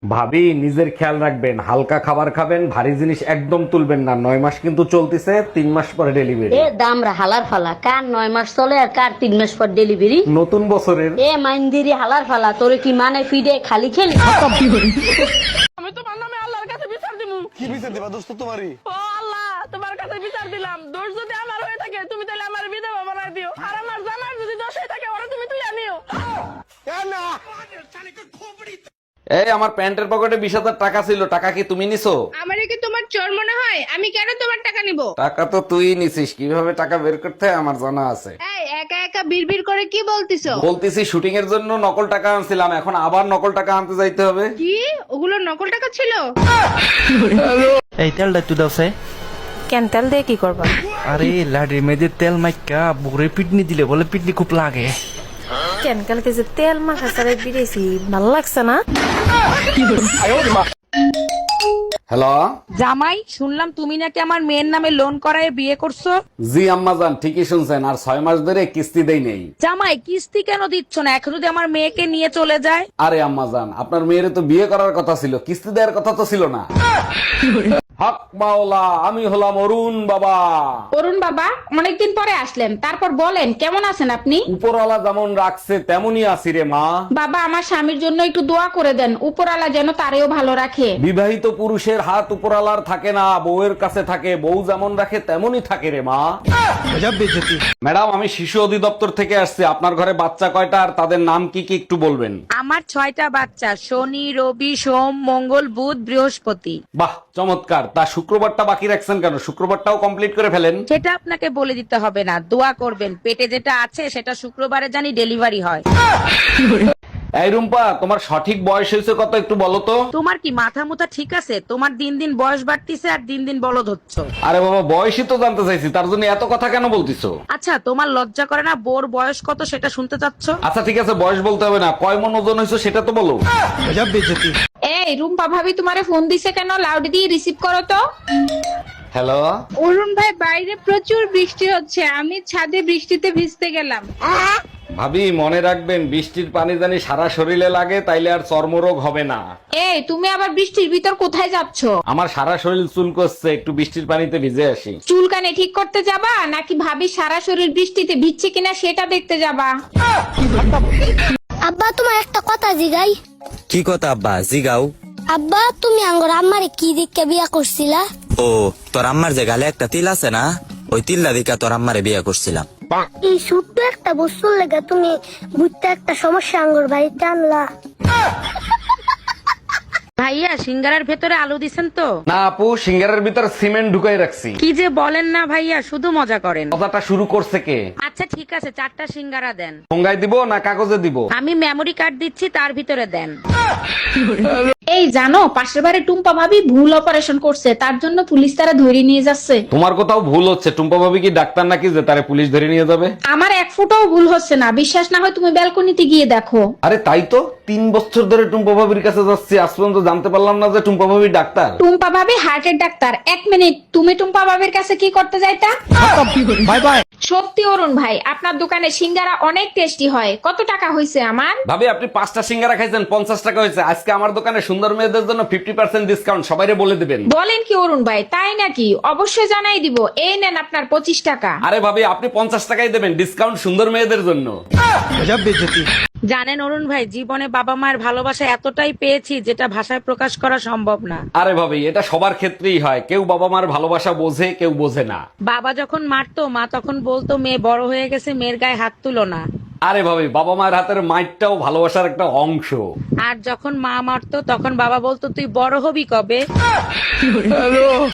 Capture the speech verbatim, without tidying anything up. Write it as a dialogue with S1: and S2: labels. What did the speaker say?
S1: ভাবি নিজের খেয়াল রাখবেন, হালকা খাবার খাবেন, ভারী জিনিস একদম তুলবেন না। নয় মাস কিন্তু চলতেছে, তিন মাস পরে ডেলিভারি।
S2: এ দামরা হালার ফালা, কার নয় মাস চলে আর কার তিন মাস পর ডেলিভারি।
S1: নতুন বছরের
S2: এ মাইন্দিরি হালার ফালা, তোরে কি মানে ফিডে খালি খেলি।
S3: আমি তোমার নামে আল্লাহর কাছে বিচার দিমু।
S4: কি বিচার দিবা দোস্ত তোমারই?
S3: ও আল্লাহ, তোমার কাছে বিচার দিলাম। দোষ যদি আমার হয়ে থাকে তুমি তাহলে আমার বিধবা বানাই দিও, আর আমার জামার যদি দোষ হয়ে থাকে ওরা তুমি তুই আনিও।
S1: এই আমার প্যান্টের পকেটে বিশ হাজার টাকা ছিল, টাকা কি তুমি নিছো?
S5: আমারে কি তোমার চোর মনে হয়? আমি কেন তোমার টাকা নিব?
S1: টাকা তো তুই নিছিস, কিভাবে টাকা বের করতে হয় আমার জানা আছে।
S5: এই একা একা বিড়বিড় করে কি বলতিছো?
S1: বলতেছি শুটিং এর জন্য নকল টাকা আনছিলাম, এখন আবার নকল টাকা আনতে যাইতে হবে।
S5: কি ওগুলো নকল টাকা ছিল?
S6: এই তেলটা একটু দাও সে।
S7: কেন তেল দিয়ে কি করবা?
S6: আরে লাডি মেয়েদের তেল মাইকা বুড়ে পিটনি দিলে বলে পিটনি খুব লাগে।
S7: কেন কালকে যে তেল মাখা সারে বিড়েছি ভালো লাগছে না।
S1: হ্যালো
S3: জামাই, শুনলাম তুমি নাকি আমার মেয়ের নামে লোন করায় বিয়ে করছো।
S1: জি আম্মাজান, ঠিকই শুনছেন, আর ছয় মাস ধরে কিস্তি দেই নেই।
S3: জামাই, কিস্তি কেন দিচ্ছ না? এখন যদি আমার মেয়েকে নিয়ে চলে যায়।
S1: আরে আম্মাজান, আপনার মেয়ের তো বিয়ে করার কথা ছিল, কিস্তি দেওয়ার কথা তো ছিল না। হক মাওলা, আমি হলাম অরুণ বাবা।
S8: অরুণ বাবা, অনেকদিন পরে আসলেন, তারপর বলেন কেমন আছেন আপনি?
S1: উপরওয়ালা যেমন রাখছে তেমনই আছি রে মা।
S8: বাবা, আমার স্বামীর জন্য একটু দোয়া করে দেন, উপরওয়ালা যেন তারেও ভালো রাখে।
S1: বিবাহিত পুরুষের হাত উপরওয়ালার থাকে না, বউয়ের কাছে থাকে। বউ যেমন রাখে তেমনই থাকে রে মা। ম্যাডাম, আমি শিশু অধিদপ্তর থেকে আসছি। আপনার ঘরে বাচ্চা কয়টা আর তাদের নাম কি কি একটু বলবেন?
S3: আমার ছয়টা বাচ্চা, শনি, রবি, সোম, মঙ্গল, বুধ, বৃহস্পতি।
S1: বাহ, চমৎকার। তা শুক্রবারটা বাকি রাখছেন কেন? শুক্রবারটাও কমপ্লিট করে ফেলেন।
S3: সেটা আপনাকে বলে দিতে হবে না, দোয়া করবেন পেটে যেটা আছে সেটা শুক্রবারে জানি ডেলিভারি হয়।
S1: এই রুম্পা, তোমার সঠিক বয়স হয়েছে কত একটু বলো তো?
S3: তোমার কি মাথা মুথা ঠিক আছে? তোমার দিন দিন বয়স বাড়তিছে আর দিন দিন বলদ হচ্ছ।
S1: আরে বাবা, বয়সই তো জানতে চাইছি, তার জন্য এত কথা কেন বলতিছো?
S3: আচ্ছা, তোমার লজ্জা করে না বোর বয়স কত সেটা শুনতে চাচ্ছ?
S1: আচ্ছা ঠিক আছে, বয়স বলতে হবে না, কয় মন ওজন হয়েছে সেটা তো বলো।
S8: এই রুম্পা ভাবি তোমারে ফোন দিছে কেন? লাউড দিয়ে রিসিভ করো তো।
S1: হ্যালো,
S5: অরুণ ভাই, বাইরে প্রচুর বৃষ্টি হচ্ছে, আমি ছাদে বৃষ্টিতে ভিজতে গেলাম।
S1: ভাবি মনে রাখবেন, বৃষ্টির পানি জানি সারা শরীরে লাগে, তাইলে আর চর্মরোগ হবে না।
S8: এই তুমি আবার বৃষ্টির ভিতর কোথায় যাচ্ছ?
S1: আমার সারা শরীর চুল করছে, একটু বৃষ্টির পানিতে ভিজে আসি।
S8: চুলকানে ঠিক করতে যাবা নাকি ভাবি সারা শরীর বৃষ্টিতে ভিজছে কিনা সেটা দেখতে যাবা?
S9: আব্বা, তোমার একটা কথা জিগাই।
S10: কি কথা আব্বা? জিগাও।
S9: আব্বা, তুমি আঙ্গর আম্মারে কি দিককে বিয়া করছিলা?
S10: ও, তোর আম্মার যে গালে একটা তিল আছে না, ওই তিল্লা দিকা তোর আম্মারে বিয়া করছিলাম।
S9: এই ছোট্ট একটা বস্তুর লেগে তুমি বুঝতে একটা সমস্যা আঙ্গর বাড়িতে আনলা।
S3: ভাইয়া, সিঙ্গারার ভেতরে আলু দিছেন তো?
S1: না আপু, সিঙ্গারের ভিতর সিমেন্ট ঢুকাই রাখছি।
S3: কি যে বলেন না ভাইয়া, শুধু মজা করেন।
S1: কথাটা শুরু করছে কে?
S3: আচ্ছা ঠিক আছে, চারটা সিঙ্গারা দেন।
S1: ঠোঙ্গায় দিব না কাগজে দিব?
S3: আমি মেমরি কার্ড দিচ্ছি, তার ভিতরে দেন।
S8: এই জানো, পাশের বাড়ি টুম্পা ভাবি ভুল অপারেশন করছে, তার জন্য পুলিশ তারা ধরে নিয়ে যাচ্ছে।
S1: তোমার কোথাও ভুল হচ্ছে। টুম্পা ভাবি কি ডাক্তার নাকি যে তারে পুলিশ ধরে নিয়ে যাবে?
S8: আমার এক ফুটাও ভুল হচ্ছে না, বিশ্বাস না হয় তুমি ব্যালকনিতে গিয়ে দেখো।
S1: আরে তাই তো, তিন বছর ধরে টুম্পা ভাবির কাছে যাচ্ছি, আজ পর্যন্ত জানতে পারলাম না যে টুম্পা ভাবি ডাক্তার।
S8: টুম্পা ভাবি হার্টের ডাক্তার। এক মিনিট, তুমি টুম্পা ভাবির কাছে কি করতে যাইতা?
S6: Bye bye.
S8: সত্যি অরুণ ভাই, আপনার দোকানে সিঙ্গারা অনেক টেস্টি হয়। কত টাকা হয়েছে আমার?
S1: ভাবি আপনি পাঁচটা সিঙ্গারা খাইছেন, পঞ্চাশ টাকা হয়েছে। আজকে আমার দোকানে সুন্দর মেয়েদের জন্য ফিফটি পার্সেন্ট ডিসকাউন্ট, সবাইরে বলে দিবেন।
S8: বলেন কি অরুণ ভাই, তাই নাকি? অবশ্যই জানাই দিব। এই নেন আপনার পঁচিশ টাকা।
S1: আরে ভাবি, আপনি পঞ্চাশ টাকাই দেবেন, ডিসকাউন্ট সুন্দর মেয়েদের জন্য।
S3: জানেন অরুণ ভাই, জীবনে বাবা মায়ের ভালোবাসা এতটাই পেয়েছি যেটা ভাষায় প্রকাশ করা সম্ভব না।
S1: আরে ভাবি, এটা সবার ক্ষেত্রেই হয়, কেউ বাবা মার ভালোবাসা বোঝে, কেউ বোঝে না।
S3: বাবা যখন মারতো, মা তখন বলতো মেয়ে বড় হয়ে গেছে, মেয়ের গায়ে হাত তুলো না।
S1: আরে ভাবি, বাবা মায়ের হাতের মাইটটাও ভালোবাসার একটা অংশ।
S3: আর যখন মা মারতো তখন বাবা বলতো তুই বড় হবি কবে।